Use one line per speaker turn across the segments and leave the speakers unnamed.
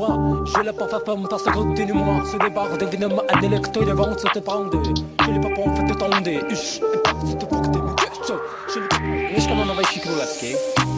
J'ai la parfum femme parce que continue-moi. Ce débarque d'événements un électro de vente se te tende. J'ai les papons fait te tonder. Uch, et pas si tu faut que t'es me Mieszkam na Nowej Wsi Królewskiej.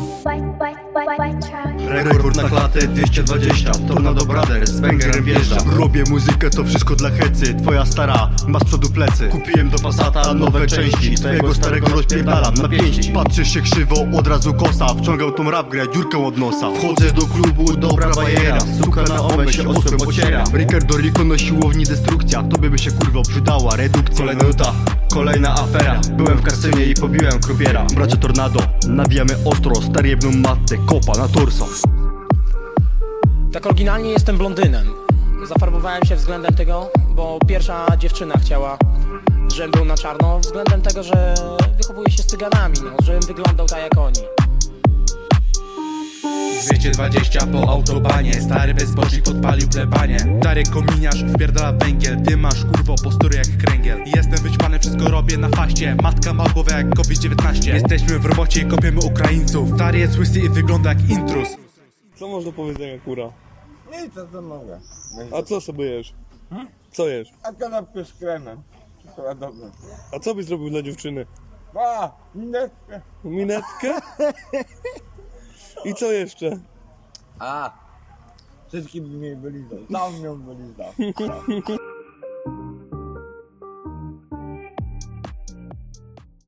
Rekord na klatę 220, Tornado Brothers, z Bangerem wjeżdżam. Robię muzykę, to wszystko dla hecy. Twoja stara ma z przodu plecy. Kupiłem do Passata nowe części. Twojego starego rozpierdalam na pięści. Patrzysz się krzywo, od razu kosa. Wciągał tą rap grę, dziurkę od nosa. Wchodzę do klubu, dobra bajera. Suka na omę się osłem ociera. Ricardo Rico na siłowni destrukcja. Tobie by się kurwa przydała redukcja. Kolejna nuta, kolejna afera. Byłem w kasynie i pobiłem krupiera. Bracie Tornado, nawijamy ostro. Stary jebną matę, kopa na torso.
Tak oryginalnie jestem blondynem. Zafarbowałem się względem tego, bo pierwsza dziewczyna chciała, żebym był na czarno, względem tego, że wychowuję się z cyganami, no, żebym wyglądał tak jak oni.
220 po autobanie. Stary bezbożnik podpalił plebanie. Stary kominiarz wpierdala węgiel. Ty masz kurwo postury jak kręgiel. Jestem wyćpany, wszystko robię na faście. Matka ma głowę jak COVID-19. Jesteśmy w robocie i kopiemy Ukraińców. Stary jest łysy i wygląda jak intruz.
Co masz do powiedzenia, kura?
Nic, co mogę.
A co sobie jesz? Co jesz?
A kanapkę z kremem. Czekoladowe.
A co byś zrobił dla dziewczyny?
A, minetkę.
Minetkę? I co jeszcze?
A, wszystkim by mnie wylizał. Sam ją wylizał.